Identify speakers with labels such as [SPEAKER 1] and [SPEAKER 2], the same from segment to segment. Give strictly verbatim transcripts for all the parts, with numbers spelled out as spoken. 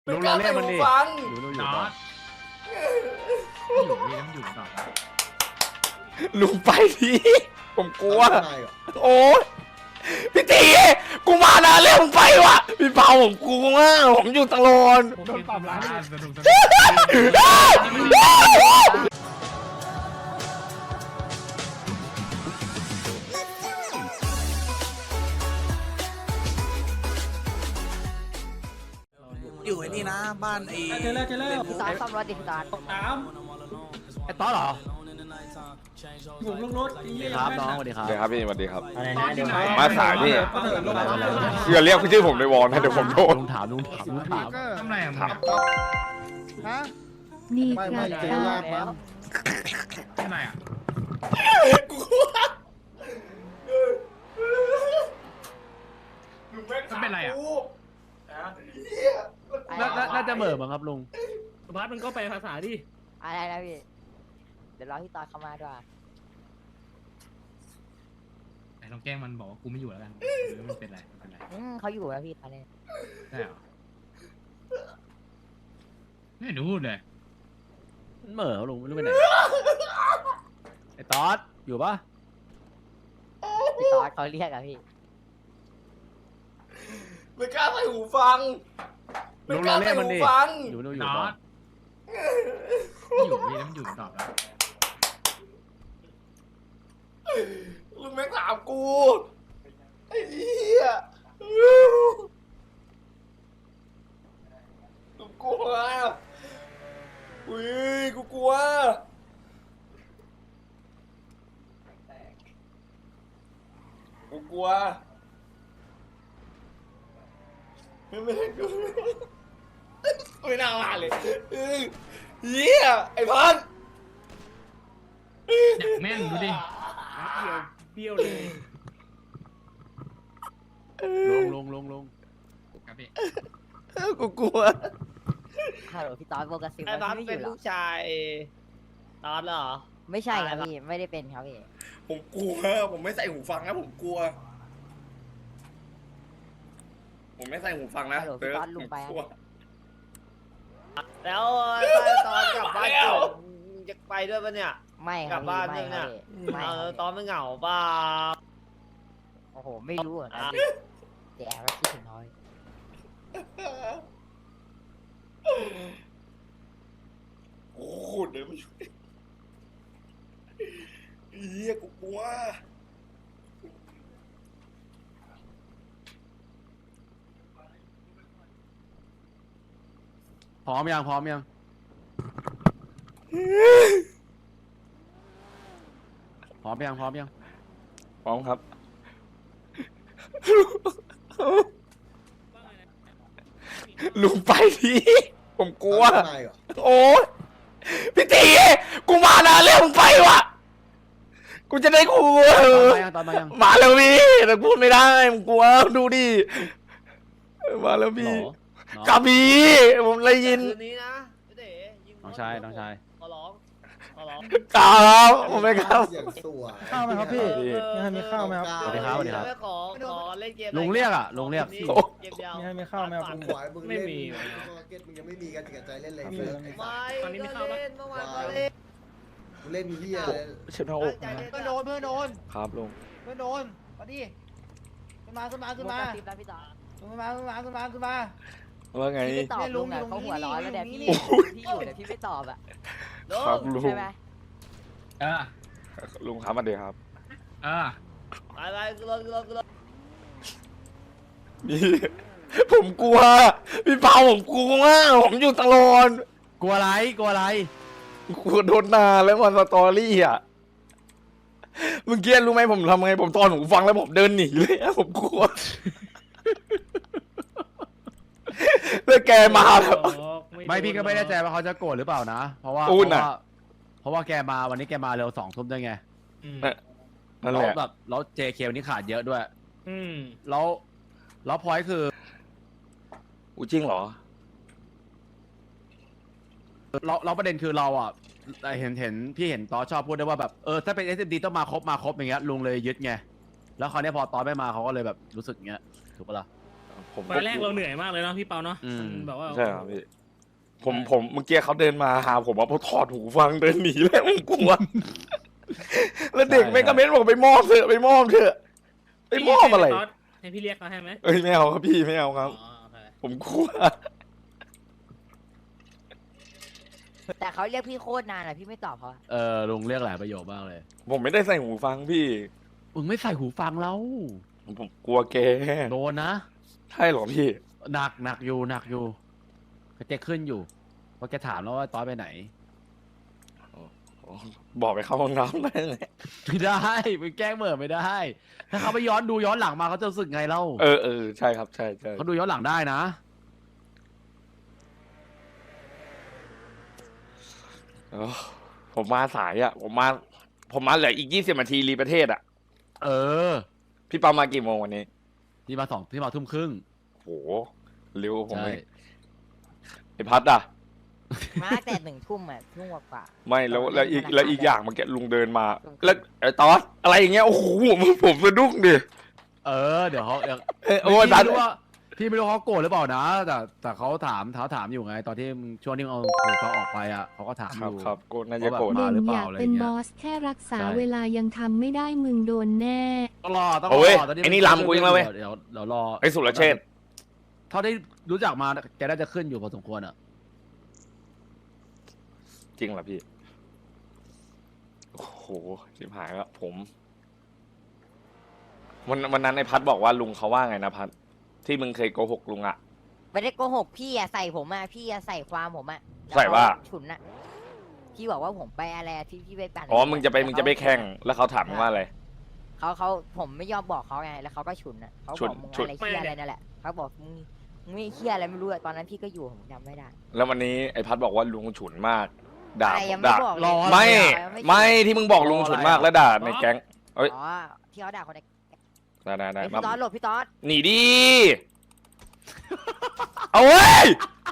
[SPEAKER 1] ลุงเราเรียกมันดิ
[SPEAKER 2] ฟัง
[SPEAKER 1] อยู่นู่นอ
[SPEAKER 3] น็
[SPEAKER 1] ยู่
[SPEAKER 3] อ
[SPEAKER 1] ก่อน
[SPEAKER 3] ตอยู่นี่ต้องอยู่ต่อนะ
[SPEAKER 1] ลุงไปทีผมกลัวโอ้ยพี่ตีกูมานานแล้วมึงไปวะพี่เปาผมกลัวมากผมอยู่ตลอด
[SPEAKER 3] ผมโดนปรับร้านสนุกสนุก
[SPEAKER 4] อยู่ไอ้นี่นะบ้านไอ้
[SPEAKER 3] เจอแล้วเจอแล้ว
[SPEAKER 5] พี่ตอนซ่อมรถดิพี่ตอน
[SPEAKER 3] สาม
[SPEAKER 1] ไอ้ต๊อดเหรอ
[SPEAKER 3] ผมลงรถไอ้เหี้ย
[SPEAKER 1] ครับน้องสวัสดีครับ
[SPEAKER 6] สวัสดีครับพี่สวัสดีครับ
[SPEAKER 3] ตอนที่ไหน
[SPEAKER 6] มาสายพี่เชื่อเรียกชื่อผมในวอลนะเดี๋ยวผมโดน
[SPEAKER 1] ลุงถามลุงถามลุงถาม
[SPEAKER 3] ทำไรอ่ะ
[SPEAKER 6] ถาม
[SPEAKER 5] นี่
[SPEAKER 7] ไม่
[SPEAKER 5] ก็
[SPEAKER 7] ไม่เจอลาก
[SPEAKER 5] แล้ว
[SPEAKER 3] ทำไรอ่ะ
[SPEAKER 2] ลุงแม่ง
[SPEAKER 3] มันเป็นไรอ่ะ
[SPEAKER 1] น่าน่าน่าจะเหม่อมั้งครับลุง
[SPEAKER 8] สุภัสมันก็ไปภาษาดิ
[SPEAKER 5] อะไรนะพี่เดี๋ยวรอพี่ตอนเข้ามาด้วย
[SPEAKER 3] ไหนลองแกล้งมันบอกว่ากูไม่อยู่แล้วกันหรือมันเป็นไรมันเป็นไร
[SPEAKER 5] อืมเขาอยู่แล้วพี่ตอนนี้
[SPEAKER 3] ได้เหรอไม่เห็นพูดเลย
[SPEAKER 1] มันเหม่อลุงไม่รู้ไปไหนไอ้ต๊อดอยู่ปะ
[SPEAKER 5] พี่ตอนเขาเรียกอะพี่
[SPEAKER 2] ไม่กล้าใส่หูฟังไม่
[SPEAKER 1] ลุง
[SPEAKER 2] กล้า
[SPEAKER 1] เราเรี
[SPEAKER 2] ใส่
[SPEAKER 1] ยกมัน
[SPEAKER 2] หู
[SPEAKER 1] ดิ
[SPEAKER 2] ฟัง
[SPEAKER 1] อยู่นู่นอยู่
[SPEAKER 3] น็อ
[SPEAKER 1] ก่อน
[SPEAKER 3] ตอยู่นี่ต้องอยู่ต่อแล้ว
[SPEAKER 2] ลุงแม่งถามกูไอ้เหี้ยกูกลัวอุ้ยกูกลัวกูกลัวไม่ไม่กูไม่น่ามาเลยเออเหี้ยไอ้พัน
[SPEAKER 3] อยากแม่นดูดิ
[SPEAKER 8] เบี้ยวเลย
[SPEAKER 1] ลุงลุงลุงลุง
[SPEAKER 3] ครับพี่
[SPEAKER 2] กูกลัว
[SPEAKER 5] ฮัลโหลพี่ตอนโบกัสซิล
[SPEAKER 8] ไอ้บัส
[SPEAKER 5] ไม่
[SPEAKER 8] เป็
[SPEAKER 5] อน ยู่หร
[SPEAKER 8] ลู
[SPEAKER 5] อก
[SPEAKER 8] ชายตอนเหรอ
[SPEAKER 5] ไม่ใช่ครับพี่ไม่ได้เป็นครับพี่
[SPEAKER 2] ผมกลัว ผมไม่ใส่หูฟังนะผมกลัว ผมไม่ใส่หูฟังนะ
[SPEAKER 5] ฮัลโหลพี่ตอนลุงไป
[SPEAKER 2] ผมกลัว
[SPEAKER 8] แล้วตอนกลับบ้านเกิดมึงจะไปด้วยปะเนี่ย
[SPEAKER 5] ไม่ค
[SPEAKER 8] กลั
[SPEAKER 5] รับบ
[SPEAKER 8] บ้าน
[SPEAKER 5] พี่ไม่
[SPEAKER 8] เนี่ย
[SPEAKER 5] ครับพี่ไม่
[SPEAKER 8] เอ
[SPEAKER 5] ค
[SPEAKER 8] อ
[SPEAKER 5] รับ
[SPEAKER 8] ตอนไม่เหงาป่ะ
[SPEAKER 5] โอ้โหไม่รู้เหมือนกัน
[SPEAKER 8] อ่ะ
[SPEAKER 5] พี่แต่แอบว่าคิดถึงน้อย
[SPEAKER 2] โอ้โหเดินไม่ช่วยเฮียกูกลัว
[SPEAKER 1] พร้อมยังพร้อมยังพร้อมยังพร้อมยัง
[SPEAKER 6] พร้อมครับ
[SPEAKER 2] ลุงไปทีผมกลัว
[SPEAKER 7] ตายเหรอ
[SPEAKER 2] โอ้ยพี่ตีกูมานานแล้วมึงไปวะกูจะได้กลัว
[SPEAKER 1] ตอนมายังตอนมายัง
[SPEAKER 2] มาแล้วพี่แต่พูดไม่ได้มึงกลัวดูดิมาแล้ว
[SPEAKER 1] โหล
[SPEAKER 2] พี่
[SPEAKER 1] น้อง
[SPEAKER 2] กาบีผมเลยยิน
[SPEAKER 8] คืนนี้นะพี่เต๋ยิง
[SPEAKER 1] น้องชายน้องชาย
[SPEAKER 8] ขอร้องขอร้อง
[SPEAKER 2] ครับผมไม่ครับ
[SPEAKER 7] เสียงสวย
[SPEAKER 4] ข้าวไหมครับพี่
[SPEAKER 8] เออ
[SPEAKER 4] ยังไงมีข้าวไหมครับ
[SPEAKER 1] สวัสดีครับสวัสดีครับ
[SPEAKER 8] ไม่ขอขอเล่นเกม
[SPEAKER 1] ลุงเรียกอะลุงเรียก
[SPEAKER 8] เกมเกมเดียว
[SPEAKER 4] มีให้มีข้าวไหมครับ
[SPEAKER 7] มึงไหวมึง
[SPEAKER 8] ไม่
[SPEAKER 7] เล่น
[SPEAKER 8] มี
[SPEAKER 7] มาร์เก็ตมึงยังไม่มีกันจิกใจเล่นเลย
[SPEAKER 4] มี
[SPEAKER 7] เฟิร์ส
[SPEAKER 8] ไม่ตอนนี้มีข้าวปะเล่นเมื่อวานก็เล่น
[SPEAKER 7] มึงเล่นเฮียเลย
[SPEAKER 6] เชื่อหน้าอก
[SPEAKER 8] ตั้งใจเล่น
[SPEAKER 4] เพื่อนโดนเพื่อนโดน
[SPEAKER 6] ครับลุง
[SPEAKER 4] เพื่อนโดนมาดิขึ้นมาขึ้นมาขึ้น
[SPEAKER 5] โบ
[SPEAKER 4] มา
[SPEAKER 5] กัสซิลนะพี่ตอน
[SPEAKER 4] ขึ้นมาขึ้นมาขึ้นมาขึ้นมา
[SPEAKER 6] ว่าไง
[SPEAKER 5] พี่ไม่ตอบ
[SPEAKER 4] เนี่ยลุ
[SPEAKER 5] ลุ
[SPEAKER 4] ง
[SPEAKER 5] งอะ
[SPEAKER 4] อยู่
[SPEAKER 5] เขาหัวร้อนแล้วเนี่ย
[SPEAKER 4] นี่
[SPEAKER 5] พี่
[SPEAKER 4] นี่
[SPEAKER 5] พี่อยู่แต่พี่ไม่ตอบอะ
[SPEAKER 6] ครับลุง
[SPEAKER 5] ใช่ไหม
[SPEAKER 3] เออ
[SPEAKER 6] ลุงครับมาเดี๋ยวครับ
[SPEAKER 3] เออ
[SPEAKER 8] ไปไปขึ้นรถขึ้นรถขึ้นรถ
[SPEAKER 2] พี่ผมกลัว พี่เปาผมกลัวมากผมอยู่ตลอด
[SPEAKER 1] กลัวอะไรกลัวอะไร
[SPEAKER 2] กลัวโดนนาแล้วมันสตอรี่อ่ะเมื่อกี้รู้ไหมผมทำไงผมตอนผมฟังแล้วผมเดินหนีเลยอะผมกลัวแล้วแกมาแบบ
[SPEAKER 1] ไม่พี่ก็ไม่แน่ใจว่าเขาจะโกรธหรือเปล่านะ เพราะว่า
[SPEAKER 2] พู
[SPEAKER 1] เพ
[SPEAKER 2] ด
[SPEAKER 1] ราะ
[SPEAKER 2] น่ะ
[SPEAKER 1] ว่าเพราะว่าแกมาวันนี้แกมาเร็วสองทุ่มด้วยไง
[SPEAKER 3] อืม
[SPEAKER 6] นั่น
[SPEAKER 1] แล้
[SPEAKER 6] แห
[SPEAKER 1] ว
[SPEAKER 6] ละ
[SPEAKER 1] แบบแล้ว เจ เค วันนี้ขาดเยอะด้วย
[SPEAKER 8] อืม
[SPEAKER 1] แล้วแล้วพอยคือ
[SPEAKER 6] อู้จริงเหรอ
[SPEAKER 1] เราเราประเด็นคือเราอ่ะเห็นเห็นพี่เห็นตอชอบพูดด้วยว่าแบบเออถ้าเป็น เอส เอ็ม ดี ต้องมาครบมาครบอย่างเงี้ยลุงเลยยึดไงแล้วคราวนี้พอตอไม่มาเขาก็เลยแบบรู้สึกอย่างเงี้ยถูกปะล่ะผม
[SPEAKER 3] ตอนแรกเราเหนื่อยมากเลยเนาะพี่เปาเนาะ
[SPEAKER 2] อืม
[SPEAKER 3] มันแบบว่า
[SPEAKER 1] ใช่ครับพี่ผมผมเมื่อกี้เขาเดินมาหาผมว่าพอถอดหูฟังเดินหนีแล้วผมกลัว แล้วเด็กแม่งก็เม้นบอกไปมอบเถอะไปมอบเถอะไปมอบอะไร
[SPEAKER 3] ให้พี่เรียกเขาให้ไหม
[SPEAKER 1] เอ้ยไม่เอาครับพี่ไม่เอาครับ
[SPEAKER 3] อ๋อโอเค
[SPEAKER 1] ผมกลัว
[SPEAKER 5] แต่เขาเรียกพี่โคตรนานอะพี่ไม่ตอบเขาอะ
[SPEAKER 2] เออลุงเรียกหลายประโยคมากเลย
[SPEAKER 1] ผมไม่ได้ใส่หูฟังพี่
[SPEAKER 2] มึงไม่ใส่หูฟังแล้ว
[SPEAKER 1] ผมกลัวแก
[SPEAKER 2] โดนนะ
[SPEAKER 1] ใช่เหรอพี่
[SPEAKER 2] หนักหนักอยู่หนักอยู่แกขึ้นอยู่เพราะแกถามแล้วว่าตอนไปไหน
[SPEAKER 1] บอกไปเข้าห้องน้ำได้ไง
[SPEAKER 2] ไม่ได้มึงแกล้งเหม่อไม่ได้ ถ้าเขาไปย้อนดูย้อนหลังมาเขาจะรู้สึกไงเล่า
[SPEAKER 1] เออเออใช่ครับใช่ใช่
[SPEAKER 2] เขาดูย้อนหลังได้นะ
[SPEAKER 1] เออผมมาสายอ่ะ ผมมา ผมมาเหลืออีกยี่สิบนาทีรีประเทศอ่ะ
[SPEAKER 2] เออ
[SPEAKER 1] พี่เปามากี่โมงวันนี้
[SPEAKER 2] ที่มาสองที่มาทุ่มครึ่ง
[SPEAKER 1] โหเร็วผม
[SPEAKER 2] ใช่
[SPEAKER 1] เลยไอพัดอ่ะ
[SPEAKER 5] มาแต่หนึ่งทุ่มอะทุ่มกว่า
[SPEAKER 1] ไม่แล้วแล้วอีก
[SPEAKER 5] ธนาคาร
[SPEAKER 1] แล้วอีกอย่างเมื่อกี้ลุงเดินมา แล้วไอ้ตอสอะไรอย่างเงี้ยโอ้โหผมผมสะดุ้งดิ
[SPEAKER 2] เออเดี๋ยวเขาเดี๋ยว
[SPEAKER 1] เอ้ยโอ้ย
[SPEAKER 2] พี่
[SPEAKER 1] พัด
[SPEAKER 2] ไม่รู้ว่าพี่ไม่รู้เขาโกรธหรือเปล่านะ แต่แต่เขาถามเขาถามอยู่ไง ตอนที่มึงช่วงที่มึงเอาหูเขาออกไปอ่ะเขาก็ถาม
[SPEAKER 1] ค
[SPEAKER 2] อ
[SPEAKER 1] รับ
[SPEAKER 2] ยู่
[SPEAKER 1] ครับโกรธน่าจะโกรธ
[SPEAKER 2] มาหรือเปล่า
[SPEAKER 9] อยาก
[SPEAKER 2] อะไร
[SPEAKER 9] เป็น
[SPEAKER 2] เงี้ย
[SPEAKER 9] บอสแค่รักษา
[SPEAKER 2] ใช่
[SPEAKER 9] เวลายังทำไม่ได้มึงโดนแน่
[SPEAKER 2] ต้องรอต้องร
[SPEAKER 1] โอ้ย
[SPEAKER 2] อตอนนี้
[SPEAKER 1] ไอ้นี่ลำกูยังแล้วเว้ย
[SPEAKER 2] เดี๋ยวเดี๋ยวรอ
[SPEAKER 1] ไอ้สุรเชษฐ์
[SPEAKER 2] เท่าที่รู้จักมาแกน่าจะขึ้นอยู่พอสมควรอ่ะ
[SPEAKER 1] จริงเหรอพี่ โอ้โหชิบหายแล้วผม วันวันนั้นไอ้พัดบอกว่าลุงเขาว่าไงนะพัดที่มึงเคยโกหกลุงอ่ะ
[SPEAKER 5] ไม่ได้โกหกพี่อะใส่ผมอะพี่อะใส่ความผมอะแล้ว
[SPEAKER 1] ใส่ว่า
[SPEAKER 5] เขฉุนอะพี่บอกว่าผมไปอะไรอะที่พี่ไปปั่น
[SPEAKER 1] อ๋อมึงจะไปมึงจะไปแข่งแล้วเขาถามมึงว่าอะไร
[SPEAKER 5] เขาเขาผมไม่ยอมบอกเขาไงแล้วเขาก็ฉุนอะเขา
[SPEAKER 1] ฉุ
[SPEAKER 5] บ
[SPEAKER 1] น
[SPEAKER 5] อกมึง
[SPEAKER 1] ฉุน
[SPEAKER 5] อะไรเคี้ยอะไรนั่นแหละเขาบอกมึงมึงไม่เคี้ยอะไรไม่รู้อะตอนนั้นพี่ก็อยู่ผมจำไม่ได้
[SPEAKER 1] แล้ววันนี้ไอ้พัดบอกว่าลุงฉุนมาก ด่า
[SPEAKER 5] อะไร
[SPEAKER 1] ผ
[SPEAKER 5] ยัง
[SPEAKER 1] ม
[SPEAKER 5] ไม่
[SPEAKER 1] ด่า
[SPEAKER 5] บอกเลย
[SPEAKER 2] รอ
[SPEAKER 1] ไม่
[SPEAKER 5] ไม่
[SPEAKER 1] ไม่ที่มึงบอกลุงฉุนมากแล้วด่าในแก๊ง เอ้ย
[SPEAKER 5] อ๋อที่เขาด่าคนใน
[SPEAKER 1] ได้ได้ได้
[SPEAKER 5] เฮ้ย
[SPEAKER 1] มา
[SPEAKER 5] พี่ต๊อดหลบพี่ต๊อด
[SPEAKER 1] หนีดิ เอาเว้ย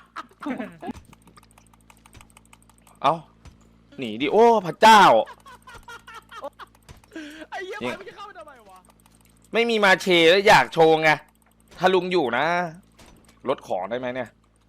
[SPEAKER 1] เอาหนีดิ โอ้ พระเจ้า
[SPEAKER 2] ไอ้เหี้ย
[SPEAKER 1] จริง
[SPEAKER 2] มันจะเข้าไปทำไมวะ
[SPEAKER 1] ไม่มีมาเชแล้วอยากโชว์ไง ถ้าลุงอยู่นะ ลดของได้ไหมเนี่ย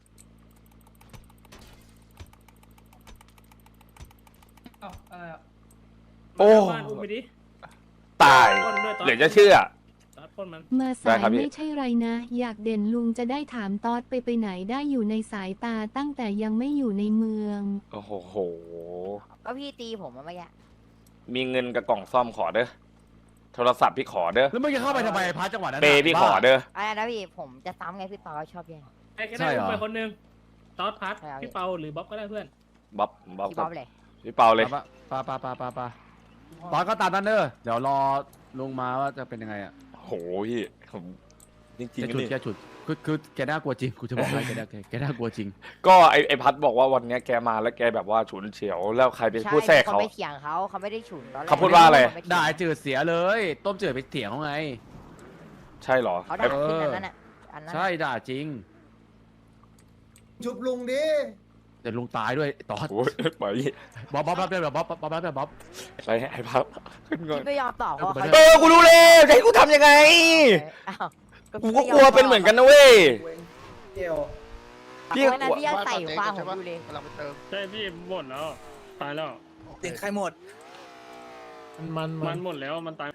[SPEAKER 3] เอ้าอะไรอ่ะ
[SPEAKER 1] โอ้
[SPEAKER 3] บ้านอุ้มไปดิ
[SPEAKER 1] ตาย
[SPEAKER 3] ปล้นด้วยตอน
[SPEAKER 1] เหลือจะเชื่อ
[SPEAKER 3] ตอนปล้นมัน
[SPEAKER 9] มา
[SPEAKER 1] ได้
[SPEAKER 9] สาย
[SPEAKER 1] ครับพี่
[SPEAKER 9] ไม่ใช่ไรนะ อยากเด่นลุงจะได้ถามตอดไปไปไหนได้อยู่ในสายตาตั้งแต่ยังไม่อยู่ในเมือง
[SPEAKER 1] โอ้โห
[SPEAKER 5] ก็พี่ตีผมอะเมื่อกี้
[SPEAKER 1] มีเงินกับกล่องซ่อมขอเด้อ โทรศัพท์พี่ขอเด้อ
[SPEAKER 2] แล้วมึงจะเข้าไปทำไมพาร์ทจังหวะนั้น
[SPEAKER 1] เป
[SPEAKER 2] น่ะ
[SPEAKER 1] ย์พี่ขอ
[SPEAKER 2] บ้า
[SPEAKER 1] เด้อ
[SPEAKER 5] อะไรนะพี่ผมจะซ้ำไงพี่ต๊อดชอบแย่ง
[SPEAKER 3] ไอ้แค่
[SPEAKER 2] ใช่
[SPEAKER 3] ได้
[SPEAKER 2] เหรอ
[SPEAKER 3] อุ้มไปคนหนึงตอสพัด
[SPEAKER 5] ใช่ครับ
[SPEAKER 3] พี่เปาหรือบ๊อบก็ได้เพื่อน
[SPEAKER 1] บ๊อบบ๊อบ
[SPEAKER 5] พี่
[SPEAKER 1] ค
[SPEAKER 5] บ๊
[SPEAKER 1] รั
[SPEAKER 5] อบ บเลย
[SPEAKER 1] พี่เปาเลย
[SPEAKER 2] ปะปะปะปะปะปะตอนก็ตามนั้นเด้อเดี๋ยวรอลุงมาว่าจะเป็นยังไงอ่ะ
[SPEAKER 1] โหพี่ผมจริง
[SPEAKER 2] แก
[SPEAKER 1] ๆ
[SPEAKER 2] ฉุด
[SPEAKER 1] นี่
[SPEAKER 2] แกฉุดคือคือแกน่ากลัวจริงกูจะบอกให้แกน่าแกแกน่ากลัวจริง
[SPEAKER 1] ก็ไอไอพัดบอกว่าวันเนี้ยแกมาแล้วแกแบบว่าฉุนเฉียว แล้วใครเป็น
[SPEAKER 5] ใช่
[SPEAKER 1] ผู้แทรก
[SPEAKER 5] เขา
[SPEAKER 1] เขา
[SPEAKER 5] ไปเถียงเขาเขาไม่ได้ฉุนตอนแรก
[SPEAKER 1] เขาพูดว่าอะไร
[SPEAKER 5] เขม่
[SPEAKER 2] ด่าไอ้
[SPEAKER 5] เถียง
[SPEAKER 2] จืดเสียเลย ต้มจืดไปเถียงเขาไง
[SPEAKER 1] ใช่เหรอ
[SPEAKER 5] เขาด่าขึ้นอันนั้นอ่ะอันนั้น
[SPEAKER 2] ใช่ด่าจริง
[SPEAKER 7] ชุบลุงดิ
[SPEAKER 2] เดี๋ยวลุงตายด้วยตอด
[SPEAKER 1] โอ้ยไป
[SPEAKER 2] บ๊อบบ๊อบรับเลยบ๊อบบ๊อบบ๊อบรับเลยบ๊อบ
[SPEAKER 1] ไปไอพัดขึ้นก่อน
[SPEAKER 5] ที่ไม่ยอมตอบเพราะเขา
[SPEAKER 1] เออกูรู้แล้วจะให้กูทำยังไง
[SPEAKER 5] อ้าว
[SPEAKER 1] กูก็กลัวเป็นเหมือนกันนะเว้ย
[SPEAKER 7] เกี่ยว
[SPEAKER 1] พี่
[SPEAKER 5] พี่วันนั้นพี่ยังใส่ความผมอยู่เลย
[SPEAKER 6] กำลังไปเติม
[SPEAKER 3] ใช่พี่หมดแล้ว ตายแล้ว
[SPEAKER 8] เด็กใครหมด
[SPEAKER 3] มันมันหมดแล้วมันตาย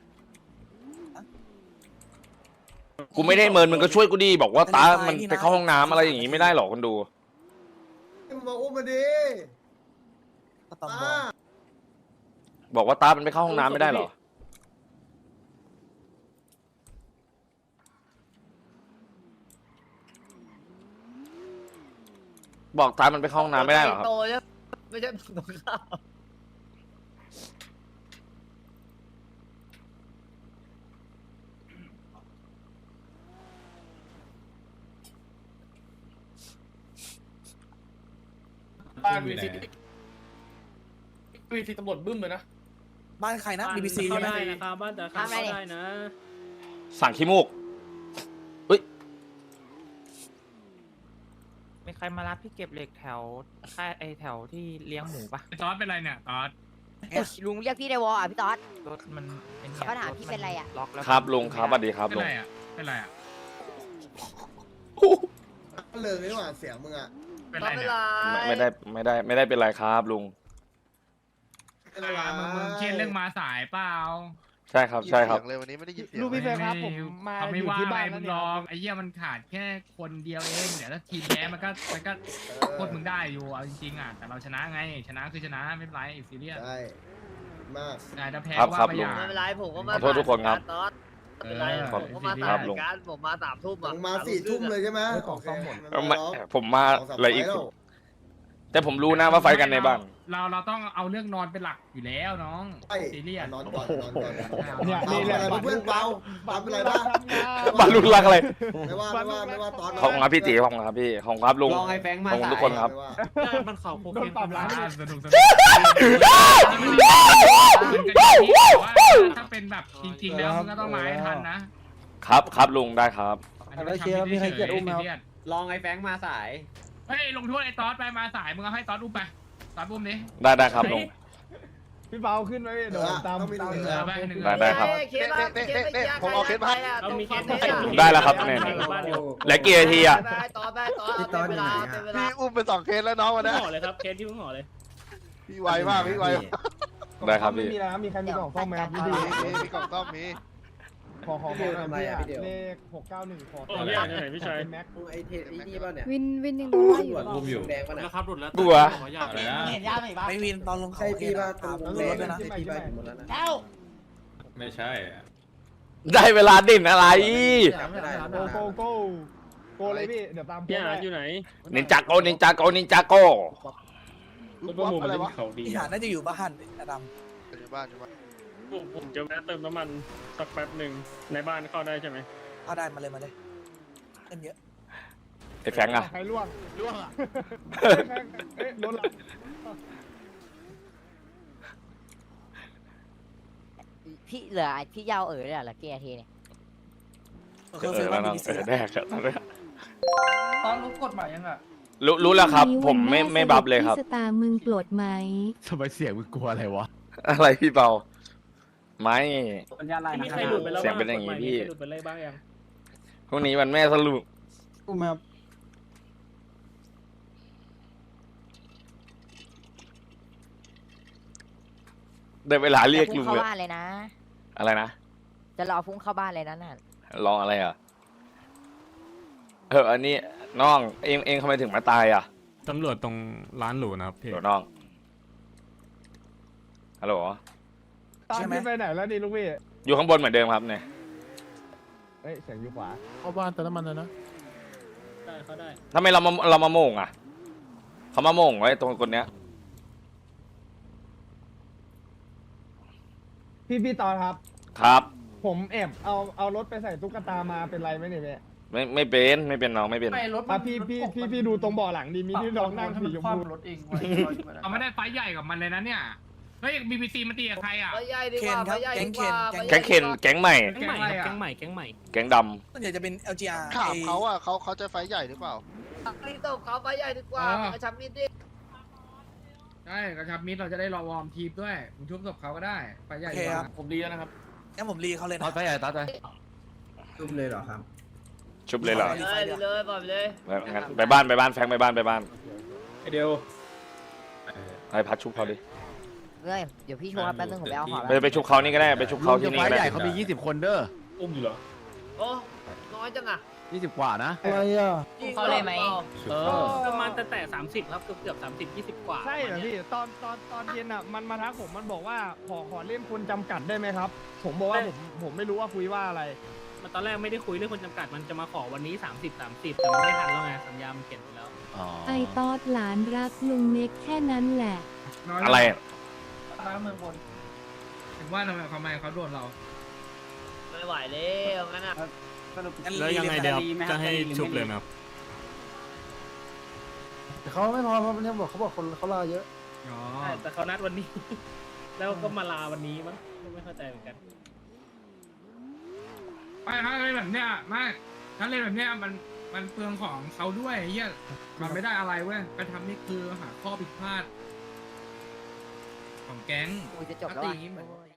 [SPEAKER 1] กูไม่ได้เมินมึงก็ช่วยกูดีบอกว่าตา มันไปเข้าห้องน้ำอะไรอย่างงี้ไม่ได้หรอกคนดู
[SPEAKER 7] มึงมาอุ้มมาดิ
[SPEAKER 8] ก็ต้อง
[SPEAKER 7] ตา
[SPEAKER 8] บอก
[SPEAKER 1] บอกว่าตามันไปเข้าห้องน้ำไม่ได้หรอ บอกตามันไปเข้าห้องน้ำไม่ได้หรอครับ
[SPEAKER 8] โตแล้วไม่ใช่ตรงข้าม
[SPEAKER 6] บ้านวีซีวีซีตำรวจบึ้มเลยนะ
[SPEAKER 8] บ้านใครนะ บี บี ซี
[SPEAKER 3] เข้า
[SPEAKER 8] ใช่ไหม
[SPEAKER 3] ได้นะครับบ้านแต่เข้าได้นะ
[SPEAKER 1] สั่งขี้มูก
[SPEAKER 10] มีใครมารับพี่เก็บเหล็กแถวค่ายไอแถวที่เลี้ยงหมูปะ
[SPEAKER 3] ตอสเป็นไรเนี่ยตอส
[SPEAKER 5] ลุงเรียกพี่ในวอลอ่ะพี่ต๊อด
[SPEAKER 10] รถมันเป็น
[SPEAKER 5] เขาถามพี่เป็นไรอะ
[SPEAKER 10] ล็อกแล้ว
[SPEAKER 1] ครับลุงครับสวัสดีครับ
[SPEAKER 3] เป็น
[SPEAKER 1] ลุง
[SPEAKER 3] ไรอ่ะเป็นไรอ่ะ
[SPEAKER 7] เลยไม่หว่าเสียงมึงอ่ะ
[SPEAKER 3] เป็น
[SPEAKER 8] ต
[SPEAKER 3] ไร
[SPEAKER 8] อนเว
[SPEAKER 3] เนี่ย
[SPEAKER 8] ลา
[SPEAKER 2] ไม่ได้ไม่ได้ไม่ได้เป็นไรครับลุง
[SPEAKER 7] เป็นไร
[SPEAKER 3] มึงมึงเครียดเรื่องมาสายเปล่า
[SPEAKER 2] ใช่ครับใช่ครับ
[SPEAKER 6] เลยวันนี้ไม่ได้ยินเสียง
[SPEAKER 4] ลูกพี่เฟย์ครับผมมา
[SPEAKER 3] เขา
[SPEAKER 4] อ
[SPEAKER 3] ไม่
[SPEAKER 4] ยู่
[SPEAKER 3] ว่า
[SPEAKER 4] ที่
[SPEAKER 3] อะไร
[SPEAKER 4] บ้าน
[SPEAKER 3] มึ
[SPEAKER 4] แล้ว
[SPEAKER 3] ง
[SPEAKER 4] เนี่ย
[SPEAKER 3] ลองไอ้เหี้ยมันขาดแค่คนเดียวเองเดี๋ยวถ้าทีมแพ้มันก็มันก็โคตรมึงได้อยู่เอาจริงๆอ่ะแต่เราชนะไงชนะคือชนะไม่เป็นไรซีเรียส
[SPEAKER 7] ใช่มาก
[SPEAKER 3] แต่ถ้าแพ้
[SPEAKER 2] ครับ
[SPEAKER 3] ว่า
[SPEAKER 2] ครับ
[SPEAKER 3] ไป
[SPEAKER 2] ลุ
[SPEAKER 3] อง ย่าง
[SPEAKER 8] ไม่เป็นไรผมก็มา
[SPEAKER 2] ขอโทษทุกคนครับ
[SPEAKER 8] ตอนไม่เป็นไร
[SPEAKER 3] เออ
[SPEAKER 8] ผมก็มา
[SPEAKER 3] ค
[SPEAKER 8] สา
[SPEAKER 3] รั
[SPEAKER 8] ย
[SPEAKER 3] บลุง
[SPEAKER 8] การผมมาสามทุ่ม
[SPEAKER 7] มึ
[SPEAKER 8] อ่ะ
[SPEAKER 7] งมาสี่ทุ่มเลยใช่ไหม
[SPEAKER 4] ของซ่อมหมด
[SPEAKER 7] โอเค
[SPEAKER 2] ไม่
[SPEAKER 7] ร้อง
[SPEAKER 2] ผมมา
[SPEAKER 7] สองสาม
[SPEAKER 2] อะไรอีก
[SPEAKER 7] ไฟล์แล้ว
[SPEAKER 2] แต่ผมรู้นะว่าไฟกันในบ้าน
[SPEAKER 3] เราเราต้องเอาเรื่องนอนเป็นหลักอยู่แล้วน้อง
[SPEAKER 7] ใช่
[SPEAKER 3] ซีเรียส
[SPEAKER 7] นอนก่อนนอนก่อน
[SPEAKER 4] เนี่ย
[SPEAKER 7] เปา
[SPEAKER 4] นี่แหละ
[SPEAKER 7] อะไรเพื่อนเปาเปาเป็นไรบ้าง
[SPEAKER 2] บ้านลุงรักอะไร
[SPEAKER 7] ไม่ว่าไม่ว่าไม่ว่าตอน
[SPEAKER 2] ขอบคุณครับพี่ตีขอบคุณครับพี่ขอบคุณครับลุง
[SPEAKER 10] ลองให้แฟงมา
[SPEAKER 2] ขอบคุณทุกคนครับ
[SPEAKER 7] ไม่ว่า
[SPEAKER 10] มันเขาโค
[SPEAKER 4] โดนปรับร้าน
[SPEAKER 3] อ่าสนุกสนุกถ้าเป็นแบบจริงๆแล้วมึงก็ต้องมาให้ทันนะครับ
[SPEAKER 2] ครับลุงได้ครับ
[SPEAKER 4] แล้วเชียร์แล้วมีใครเกลียดอุ้มไหมครับ
[SPEAKER 3] ซีเรียส
[SPEAKER 10] ลองไอ้แฟงมาสาย
[SPEAKER 3] เฮ้ยลงโทษไอ้ตอสไปมาสายมึงเอาให้ตอสอุ้มไปตอสอุ้มดิ
[SPEAKER 2] ได้ได้ครับลุง
[SPEAKER 4] พี่เปาขึ้นไว้เดี๋ยวผมตาม
[SPEAKER 7] ต้องมีห
[SPEAKER 4] ตาม
[SPEAKER 7] นึ่ง
[SPEAKER 3] เออไปหนึ่ง
[SPEAKER 2] ได้ได้ครับ
[SPEAKER 8] เคสละเคสไม่ยาก
[SPEAKER 6] ผมเอาเคสมาให้
[SPEAKER 8] เรามีเคส
[SPEAKER 2] ได้แล้วครับเนี่ยเหลือกี่นาทีอะ
[SPEAKER 8] ไปต่อไปต่อเป็นเวลาเป็นเวลา
[SPEAKER 6] พี่อุ้มไปสองเคสแล้วน้องวันนี้
[SPEAKER 10] ห่อเลยครับ เคสที่เพิ่งห่อเลย
[SPEAKER 6] พี่ไวมากพี่ไวมาก
[SPEAKER 2] ได้ครับพี่
[SPEAKER 4] ไม่มีแล้วมีใครมีกล่องซ่อมไหมครับพี่
[SPEAKER 6] มี
[SPEAKER 4] ดี
[SPEAKER 6] มีมีกล่องต้อมมี
[SPEAKER 4] ขอขอขอหน่อยพี่อะเลขหกเก้าหนึ่งขอ
[SPEAKER 10] โอ้พี่อ่านไหนพี่ชัย
[SPEAKER 4] แม็ก
[SPEAKER 7] ไอเทไอ้นี่ป่ะเนี่ย
[SPEAKER 9] วินวินยังดูว่าอยู่
[SPEAKER 7] อุ้มอยู่แดงป่ะ
[SPEAKER 10] แล้
[SPEAKER 7] เนี่
[SPEAKER 10] วย ครับหลุดแล้ว
[SPEAKER 2] กลัว
[SPEAKER 10] ขออยากเลยนะ
[SPEAKER 4] เห็นยาไหมบ้าง
[SPEAKER 7] ไม่วินตอนลงใช่พี่ป่ะตรงแดงนะใช่พี่ป่ะหมดแล้วนะ
[SPEAKER 4] เจ้า
[SPEAKER 3] ไม่ใช่
[SPEAKER 2] ได้เวลาเด่นอะไร
[SPEAKER 7] จำไม่ได้
[SPEAKER 4] โกโกโกโกเลยพี่เดี๋ยวตาม
[SPEAKER 10] พี่อ่านอยู่ไหน
[SPEAKER 2] นินจาโกนินจาโกนินจาโก
[SPEAKER 6] รถประมูลอะไรวะ
[SPEAKER 10] เขาดี
[SPEAKER 7] พี่หาน่าจะอยู่บ้านอดัม
[SPEAKER 6] อยู่บ้านอยู่บ้าน
[SPEAKER 10] ผมจะแวะเติมน้ำมันสักแป๊บหนึ่งในบ้านเข้าได้ใช่ไหม
[SPEAKER 7] เอาได้มาเลยมาเลยเงินเยอะ
[SPEAKER 2] ไอ้แฟงอะ
[SPEAKER 4] ใครล่วงล่วงอ่ะเอ๊ะรถหลัง
[SPEAKER 5] พี่เหลือพี่ยาวเอ๋ยเหลือเหลือกี่นาทีเนี่ย
[SPEAKER 2] เออแล้วน้องเออแดกอะตอนนี้
[SPEAKER 4] ตอนรู้กฎหมายยังอ่ะ
[SPEAKER 2] รู้รู้แล้วครับ ผมไม่ไม่บับเลยครับ
[SPEAKER 9] พี่สตาร์มึงโกรธไหม
[SPEAKER 1] ทำไมเสียงมึงกลัวอะไรวะ
[SPEAKER 2] อะไรพี่เปาไม่
[SPEAKER 4] สัญญาณอะไร
[SPEAKER 10] มี
[SPEAKER 4] นะ
[SPEAKER 10] ใครหลุดไปแล้ว
[SPEAKER 2] เสียงเป็นอย่างงี้พี่
[SPEAKER 10] มีใครหลุดไปเลยบ้างยัง
[SPEAKER 2] พรุ่งนี้วันแม่สรุป
[SPEAKER 4] อุ้มครับ
[SPEAKER 2] ได้เวลาเรียก
[SPEAKER 5] จะพุ่
[SPEAKER 2] ลุ
[SPEAKER 5] ง
[SPEAKER 2] ง
[SPEAKER 5] เข้า
[SPEAKER 2] เลย
[SPEAKER 5] บ้านเลยนะ
[SPEAKER 2] อะไรนะ
[SPEAKER 5] จะรอพุ่งเข้าบ้านเลยนะน่ะ
[SPEAKER 2] ลองอะไรอ่ะเอออันนี้น้องเองเองทำไมถึงมาตายอ่ะ
[SPEAKER 3] ตำรวจตรงร้านหรูนะครับพี่
[SPEAKER 2] เดี๋ยวน้องฮัลโหล
[SPEAKER 4] ตามขึ้นไปไหนแล้วนี่ลูกพี่
[SPEAKER 2] อยู่ข้างบนเหมือนเดิมครับเนี่ย
[SPEAKER 4] เอ้ยเสียงอยู่ขวา
[SPEAKER 1] เข้าบ้านเติมน้ำมันเลยนะ
[SPEAKER 10] ได้เขาได้
[SPEAKER 2] ทำไมเรามาเรามาโม่งอ่ะเขามาโม่งไว้ตรงคนเนี้ย
[SPEAKER 4] พี่พี่ตอนครับ
[SPEAKER 2] ครับ
[SPEAKER 4] ผมแอบเอาเอารถไปใส่ตุ๊กตามาเป็นไรไหมเนี่ยแม่
[SPEAKER 2] ไม่ไม่เป็นไม่เป็นน้องไม่เป็น
[SPEAKER 4] อ่ะพี่พี่พี่พี่ดูตรงเบ่อหลังดีมีที่น้องนั่งสีชมพู
[SPEAKER 3] เขาไม่ได้ไฟใหญ่กับมันเลยนะเนี่ยเฮ้ยบีบีซีมันตีกับใครอ่ะ
[SPEAKER 8] ไปใหญ่ดีกว่าไปใหญ่ดีกว่า
[SPEAKER 2] แก๊งเคนแก๊งใหม่
[SPEAKER 10] แก๊งใหม่ครับแก๊งใหม่แก๊งใหม่
[SPEAKER 2] แก๊งด
[SPEAKER 7] ส่วนใหญ่จะเป็น แอล จี อาร์
[SPEAKER 6] ถามเขาอ่ะเขาเขาจะไฟใหญ่หรือเปล่า
[SPEAKER 8] รีบตบเขาไปใหญ่ดีกว่า
[SPEAKER 3] เออ
[SPEAKER 8] กระชับมิดดิ
[SPEAKER 3] ใช่กระชับมิตรเราจะได้รอวอร์มทีมด้วยมึงชุบศพเขาก็ได้ไฟใหญ่ดีกว่า
[SPEAKER 10] ผมดีแล้วนะครับ
[SPEAKER 7] งั้นผมรีเขาเลย
[SPEAKER 1] ตอ
[SPEAKER 7] นะ
[SPEAKER 1] ดไปใหญ่ตอดไป
[SPEAKER 7] ชุบเลยเหรอครับ
[SPEAKER 2] ำชุบเลยเหรอ
[SPEAKER 8] เลยเลยปล่อยไปเลย
[SPEAKER 2] ไปงั้นไปบ้านไปบ้านแฟงไปบ้านไปบ้าน
[SPEAKER 10] ไอเดียว
[SPEAKER 2] ให้พัดชุบเขาดิ
[SPEAKER 5] เอ้ยเดี๋ยวพี่ชวนแป๊บนึงผมไปเอาของ
[SPEAKER 2] ไปไปชุบเขานี่ก็ได้ไปชุบเขาที่นี่
[SPEAKER 1] ไฟ
[SPEAKER 2] ก็ได้
[SPEAKER 1] ใหญ่เขามียี่สิบคนเด้อ
[SPEAKER 10] อุ้มอยู่เหรอ
[SPEAKER 8] โอ้น้อยจังอ่ะ
[SPEAKER 1] ยี่สิบกว่านะ
[SPEAKER 4] อะไรอ่ะ
[SPEAKER 5] เขาเลยไหม
[SPEAKER 1] เออ
[SPEAKER 10] ประมาณแต่แต่สามสิบครับเกือบเกือบสามสิบยี่สิบกว่า
[SPEAKER 4] ใช่เหรอพี่ตอนตอนตอนเย็นอ่ะมันมาทักผมมันบอกว่าขอขอเล่นคนจำกัดได้ไหมครับ ผมบอกว่าผมผมไม่รู้ว่าคุยว่าอะไร
[SPEAKER 10] มันตอนแรกไม่ได้คุยเรื่องคนจำกัดมันจะมาขอวันนี้สามสิบสามสิบแต่มันไม่ทันแล้วไงสัญญามันเขียนไปแล้ว
[SPEAKER 9] ไอตอดหลานรักลุงเน็กแค่นั้นแหละ
[SPEAKER 2] อะไร
[SPEAKER 4] น้ำเมืองบน
[SPEAKER 3] ถึงว่าทำไมเขาไม่เขาโดนเรา
[SPEAKER 8] ไม่ไหวแล้วงั้นอ่ะ
[SPEAKER 10] แล้วยังไงเดี๋ยวจะให้ชุบเลยไหมครับ
[SPEAKER 4] เขาไม่พอเพราะเนี่ยบอกเขาบอกคนเขาลาเยอะ
[SPEAKER 3] อ๋อ
[SPEAKER 10] ใช่แต่เขานัดวันนี้ แล้วก็มาลาวันนี้มั้งไม่เข้าใจเหมือนกัน
[SPEAKER 3] ไม่ถ้าเล่นแบบเนี้ยไม่ถ้าเล่นแบบเนี้ยมันมันเปลืองของเขาด้วยเฮียมันไม่ได้อะไรเว้ยไปทำนี่คือหาข้อผิดพลาด ของแก๊ง
[SPEAKER 5] กูจะจบแล้ว
[SPEAKER 3] ตี
[SPEAKER 5] อ่ะ
[SPEAKER 3] อย่างงี้เหมือน
[SPEAKER 5] โอ้ย